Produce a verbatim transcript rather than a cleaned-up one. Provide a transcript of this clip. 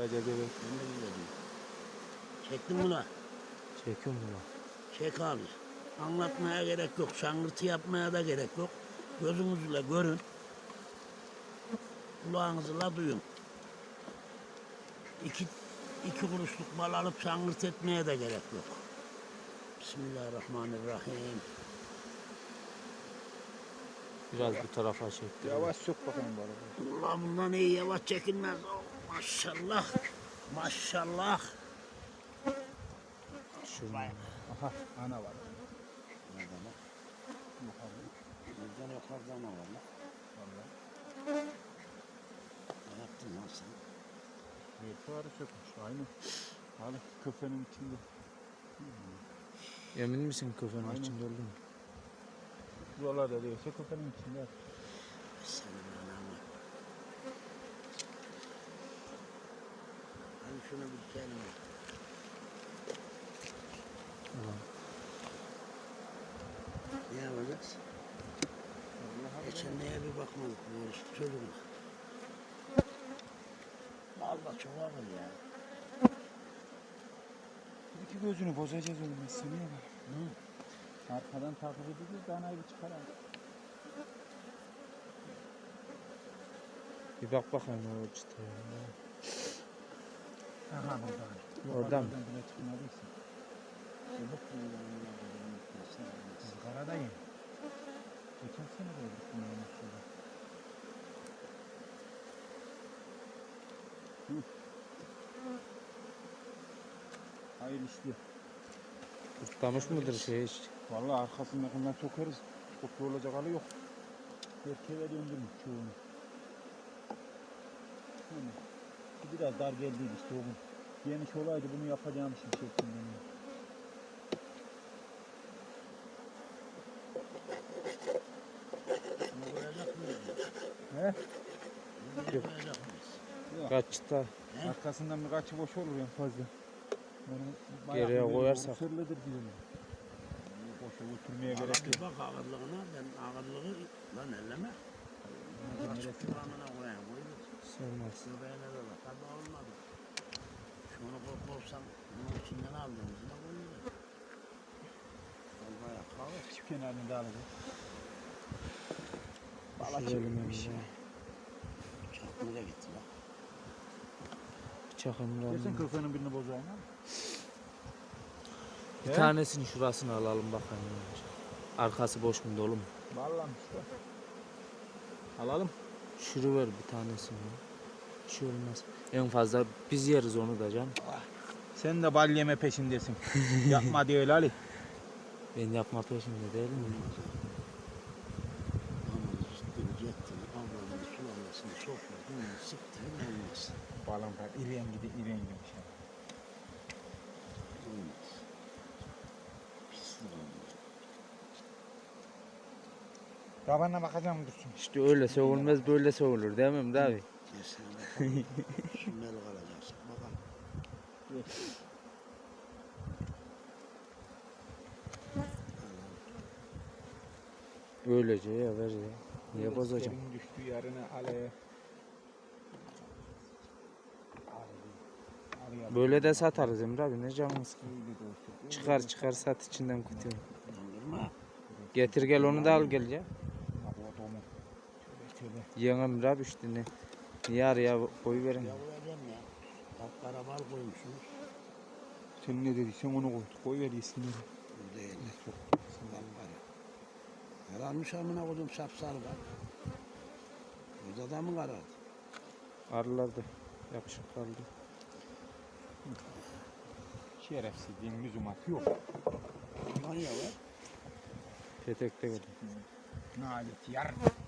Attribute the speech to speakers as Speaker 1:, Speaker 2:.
Speaker 1: Karaca göbek.
Speaker 2: Çektin mi lan?
Speaker 1: Çekiyorum bunu.
Speaker 2: Çek abi. Anlatmaya gerek yok. Şangırtı yapmaya da gerek yok. Gözünüzle görün. Kulağınızla duyun. İki, iki kuruşluk bal alıp şangırt etmeye de gerek yok. Bismillahirrahmanirrahim.
Speaker 1: Biraz bu tarafa çektim.
Speaker 3: Yavaş sok bakalım balığı.
Speaker 2: Allah bundan iyi yavaş çekilmez. Oh, maşallah. Maşallah.
Speaker 1: Şurada.
Speaker 3: Aha ana var.
Speaker 2: Nerede lan?
Speaker 3: Yukarıda.
Speaker 2: Buradan yukarıda ne var lan?
Speaker 3: Vallahi.
Speaker 2: Ne yaptın lan sen?
Speaker 3: Bir fuarı sökmüş. Aynı. Abi kafenin içinde.
Speaker 1: Emin misin kafanın
Speaker 3: Aynen.
Speaker 1: içinde olduğunu?
Speaker 3: Buralarda değilse kafenin içinde.
Speaker 2: Senin ananı. Hani şunu bir kelime.
Speaker 1: Tamam.
Speaker 2: Ne yapacağız? Geçen neye bir bakmadık bu yarışta çocuğuna. Vallahi çok ağır ya.
Speaker 3: Bir iki gözünü bozacağız oğlum. Seniye bak. Hı. Arkadan takip edeceğiz. Danayı bir çıkaralım.
Speaker 1: Bir bak bakayım o çıtaya.
Speaker 3: Aha burada.
Speaker 1: Orada mı?
Speaker 3: Bile çıkmadıysa. Karadayım. Geçen sene de öldük bunu şurada. Hayır işte.
Speaker 1: Kurtlamış mıdır şey hiç?
Speaker 3: Vallahi arkasındakinden sokarız. Kopya olacak hali yok. Erkeğe döndürmüş çoğunu. Yani, biraz dar geldiydi işte o gün. Geniş olaydı bunu yapacağım şimdi şeklinde.
Speaker 2: Bunu koyacak mıyız?
Speaker 3: He?
Speaker 2: Bunu
Speaker 1: Yok.
Speaker 2: koyacak mıyız?
Speaker 3: Yok.
Speaker 1: Kaç çıta?
Speaker 2: He?
Speaker 3: Arkasından birkaçı boş olur en fazla. Onu
Speaker 1: Geriye koyarsak.
Speaker 3: sırlıdır diyorum. Boşa oturmaya gerek
Speaker 2: Ağırlık
Speaker 3: yok.
Speaker 2: bak ağırlığına, ben ağırlığı lan elleme. Açık kıvamına koyayım, koyuyor.
Speaker 1: Sığmaz.
Speaker 2: Göbeğine de bak, tabi olmadı. Şunu korkursam, bunun içinden aldığımızda koyuyor. Al bayağı kahve.
Speaker 3: Şu kenarını da alacak.
Speaker 1: Şu bölümümüzde.
Speaker 2: Bıçak nereye gitti bak.
Speaker 1: Bıçak
Speaker 3: Kesin
Speaker 1: emrahını.
Speaker 3: kırkanın birini bozayım ha.
Speaker 1: Bir
Speaker 3: He?
Speaker 1: tanesini şurasını alalım bakalım. Arkası boş mu dolu mu?
Speaker 3: Vallahi işte. Alalım.
Speaker 1: Şuru ver bir tanesini. Bir şey olmaz. En fazla biz yeriz onu da can.
Speaker 3: Sen de bal yeme peşindesin. Yapma diyor Ali.
Speaker 1: Ben yapma peşinde değil mi?
Speaker 2: Aman ciddi cettini, avradını, sulamasını, sofradını, siktirin olmaz.
Speaker 3: Balım var. İren gidi iren gibi şey.
Speaker 2: Olmaz. Pislik olmaz.
Speaker 3: Babana bakacağım dursun.
Speaker 1: İşte öyle soğulmaz böyle soğulur değil mi Emre abi?
Speaker 2: Kesin bakalım. Sümmeli kalacaksın. Bakalım.
Speaker 1: Öylece ya ver ya. Niye bozacağım?
Speaker 3: Serin düştü yarına aleye.
Speaker 1: Böyle de satarız Emre abi ne canımız. Çıkar çıkar sat içinden kutuyu.
Speaker 2: Dondurma.
Speaker 1: Getir gel onu da al gel ya.
Speaker 3: Tövbe tövbe.
Speaker 1: Yiyen Emre abi işte ne. Niye araya koyu verin.
Speaker 2: Ya koyacağım ya. Bak karabal koymuşsunuz.
Speaker 3: Sen ne dediysen onu koy. Koy ver yesinler.
Speaker 2: Bu değil. Bak para. Kararmış amına koydum sapsarı bak. Burada da mı karardı?
Speaker 1: Arılar da yapışık kaldı.
Speaker 3: Şerefsizliğin lüzumatı yok.
Speaker 2: Lan ya be.
Speaker 1: Petekte geldi.
Speaker 3: Nalet yar.